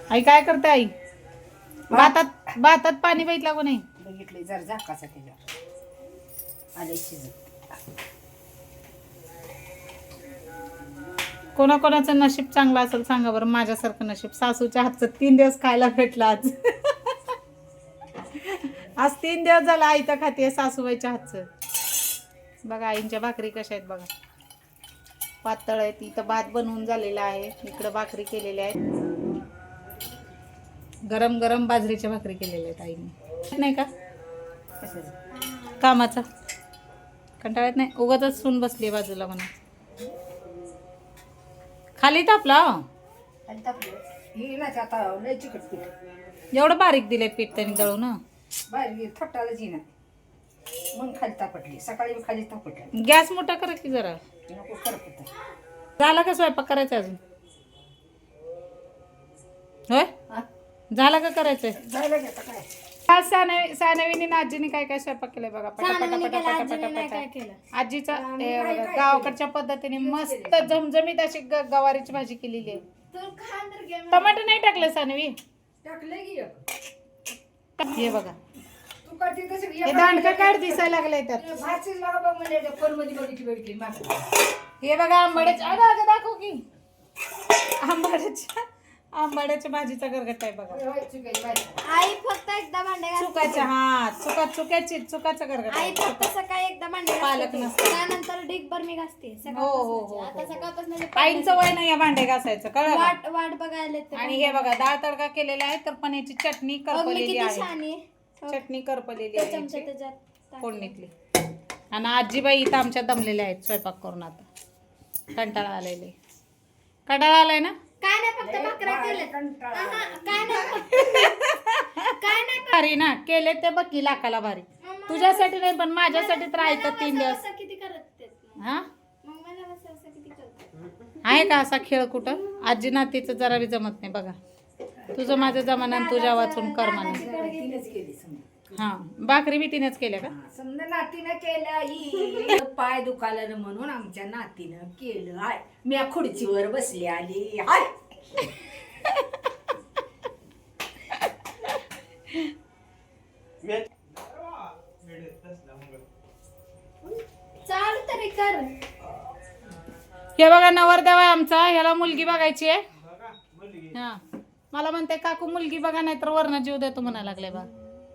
आई काय करते आई? भातात पाणी बघितलं को नाही? बघितलं जर झाकाचा त्याच्यावर आले शिजत. कोणाकोणाचं नशीब चांगलं असेल सांगा बरं. माझ्यासारखं नशीब सासूच्या हातचं 3 दिवस खायला भेटलं आज. आज 3 दिवस झाला आई तर खाते सासूबाईच्या हातचं. बघा आईंच्या भाकरी कशा आहेत बघा, पातळ आहेत. इथं भात बनवून झालेला आहे, इकडं भाकरी केलेल्या आहेत, गरम गरम बाजरीच्या भाकरी केलेल्या आहेत आईने. नाही का कामाचा कंटाळत नाही, उगाचच सून बसली बाजूला म्हणा. खाली तापला एवढं बारीक दिलंय पीठ त्यांनी दळून. बारीक थोटालाच येणार मग खाली तापटली, सकाळी खाली तापटली. गॅस मोठा करा की जरा. नको करत झाला का स्वयंपाक करायचा अजून? होय झाला का करायचंय? जायला घेता काय आज सानवीने आजीने काय काय स्वयंपाक केलाय बघा. आजीचा गावाकडच्या पद्धतीने मस्त झमझमीत अशी गवारीची भाजी केलेली आहे. टमाटर नाही टाकलं सानवी? टाकले की हे बघा हे दांडका काढ दिसायला लागलाय त्यात. हे बघा आंबाड्याच्या अगं दाखव की आंबाड्याच्या भाजीचा गरगट आहे बघा. आई फक्त एकदा भांडे चुकाच्या चुकाचा गरगट. आई फक्त सकाळी एकदा भांडे पालक नसतं, त्यानंतर ढीकभर मी घासते. आता सकाळपासून आईंचं वय नाही या भांडे घासायचं कळलं. वाट बघायला येते. आणि हे बघा डाळ तडका केलेला आहे, तर पनीरची चटणी करपलेली आहे. चटणी करपलेली आहे फोडणीतली. आणि आजीबाई इथं आमच्या दमलेल्या आहेत स्वयंपाक करून. आता कंटाळा आलेले. कंटाळा आलाय ना? काय नाही फक्त भाकऱ्या केल्या. काय नाही भारी ना केले ते बघ की लाखाला भारी. तुझ्यासाठी नाही पण माझ्यासाठी तर आहे तर 3 दिवस. किती करत हा मग मला किती करत आहे का असा खेळ कुठं? आजी नातीचं जरा बी जमत नाही बघा. तुझं माझं जमाना तुझ्या वाचून कर्माने. हा भाकरी बी तिनेच केल्या का? समजा नातीनं केलं पाय दुखायला म्हणून आमच्या नातीनं केलं. हाय मी खुर्चीवर बसली आली. हाय चाल तरी कर. हे बघा नवरदेव आहे आमचा, ह्याला मुलगी बघायची आहे. हा मला म्हणते काकू मुलगी बघा नाही तर वरण जीव देतो म्हणायला लागले बा.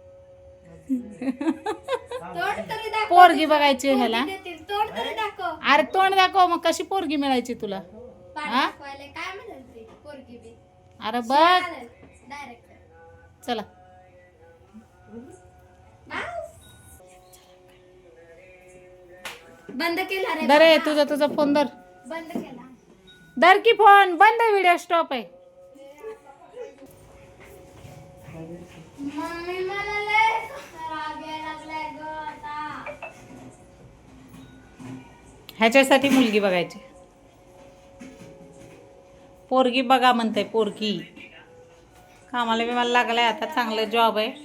पोरगी बघायची ह्याला. तोंड तरी दाखव. अरे तोंड दाखव मग कशी पोरगी मिळायची तुला? काय म्हणाल पोरगी बी? अरे बघ डायरेक्ट चला बंद केला रे. दरे तुझा फोन धर. बंद केला. धर की फोन बंद. व्हिडिओ स्टॉप आहे. मम्मी मला लय राग यायला लागलाय ग आता. ह्याच्यासाठी मुलगी बघायची. पोरगी बघा म्हणते पोरगी. कामाला बिमाला लागलाय आता, चांगलं जॉब आहे.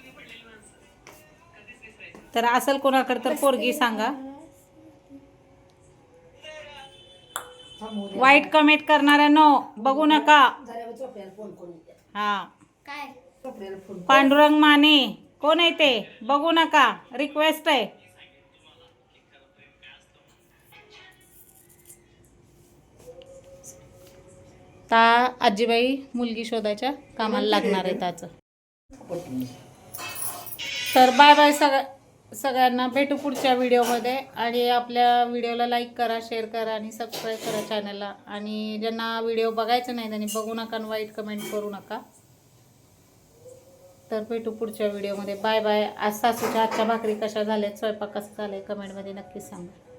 तर असेल कोणाकडे तर पोरगी सांगा. वाईट कमेंट करणाऱ्यांनो बघू नका. हा काय पांडुरंग माने कोण आहे ते बघू नका. रिक्वेस्ट आहे. ता आजीबाई मुलगी शोधायच्या कामाला लागणार आहे त्याचं. तर बाय बाय सगळ्यांना. भेटू पुढच्या व्हिडिओमध्ये. आणि आपल्या व्हिडिओला लाईक करा, शेअर करा आणि सबस्क्राईब करा चॅनलला. आणि ज्यांना व्हिडिओ बघायचं नाही त्यांनी बघू नका आणि वाईट कमेंट करू नका. तर भेटू पुढच्या व्हिडिओमध्ये. Bye bye. आज सासूच्या हातच्या भाकरी कशा झाल्यात, स्वयंपाक कसा झालाय कमेंटमध्ये नक्कीच सांगा.